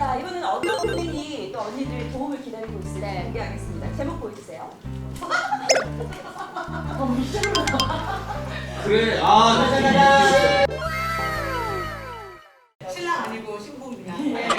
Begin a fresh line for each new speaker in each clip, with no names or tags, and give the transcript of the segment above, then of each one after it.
자, 이번에는 어떤 고민이 또 언니들의 도움을 기다리고 있을지 공개하겠습니다. 제목 보여주세요.
그래. 아,
신랑 아니고 신부입니다.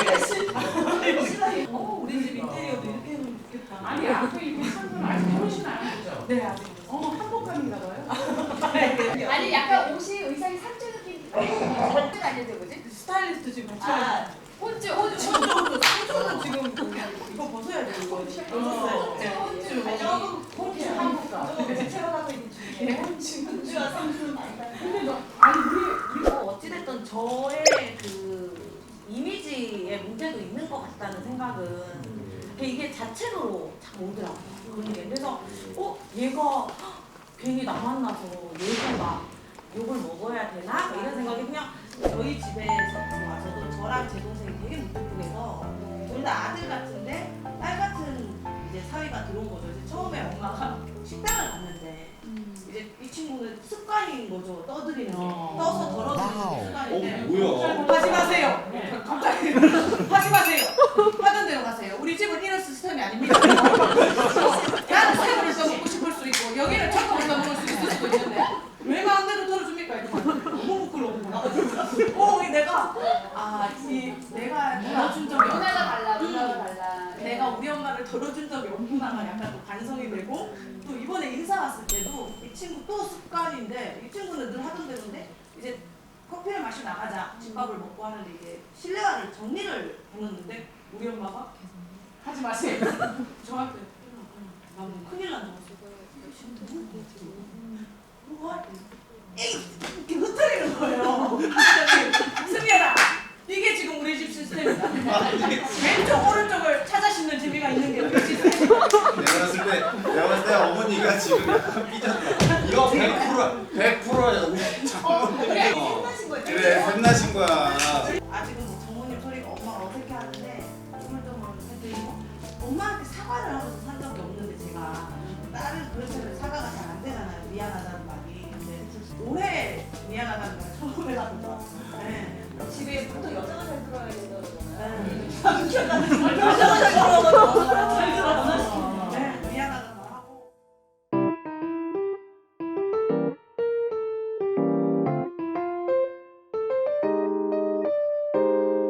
우리 집 인테리어도 이렇게 해놓으면 좋겠다.
아니 앞에 이렇게 상품 아직 결혼식 안 하셨죠?
네, 아직.
한복감인가 봐요?
아니 약간 옷이 의상이 상주 느낌. 상주 아니죠, 뭐지?
스타일리스트 지금 같이
아, 혼주.
호주는 지금 이거 벗어야 돼, 이거. 벗었어요. 네.
호주 한국가. 체험하고 있는 중이에요. 호주와 상주.
근데 너 아니 우리
어찌됐든 저의 그 이미지에 문제도 있는 것 같다는 생각은 이게 자체로 참 오더라고요. 그런 게. 그래서 얘가 괜히 나 만나서 얘가 막 욕을 먹어야 되나? 이런 생각이 그냥 저희 집에서 와서도 저랑 제 동생이 되게 무뚝뚝해서 둘 다 아들 같은데 딸 같은 이제 사위가 들어온 거죠. 이제 처음에 엄마가 식당을 갔는데 이제 이 친구는 습관인 거죠. 떠들이는 게. 떠서 덜어드리는 습관인데
뭐야?
하지 마세요. 갑자기 하지 마세요. 하던 대로 가세요. 우리 집은 이런 시스템이 아닙니다. 나는 새우를 써먹고 싶을 수 있고 여기는 초코를 써먹을 수 있을 수도 있는데 왜 마음대로 덜어줍니까? 너무 부끄러워. 내가 덜어준 적이 없구나.
문화가 달라.
내가 우리 엄마를 덜어준 적이 없구나가 약간 또 반성이 되고 또 이번에 인사 왔을 때도 이 친구 또 습관인데 이 친구는 늘 하던 대로인데 이제 커피를 마시고 나가자 집밥을 먹고 하는데 이게 실내화를 정리를 해놓는데 우리 엄마가 하지 마세요. 저한테 나 큰일 난다. 뭐야? 이렇게 흩어리는 거예요. 승리해라. 이게 지금 우리 집 시스템이다. 왼쪽 오른쪽을 찾아 씹는 재미가 있는 게 우리 시스템.
내가 봤을 때 어머니가 지금 약간 삐졌다. 이거 100%야. 100%야.
그래, 혼나신 거죠?
그래, 혼나신 거야.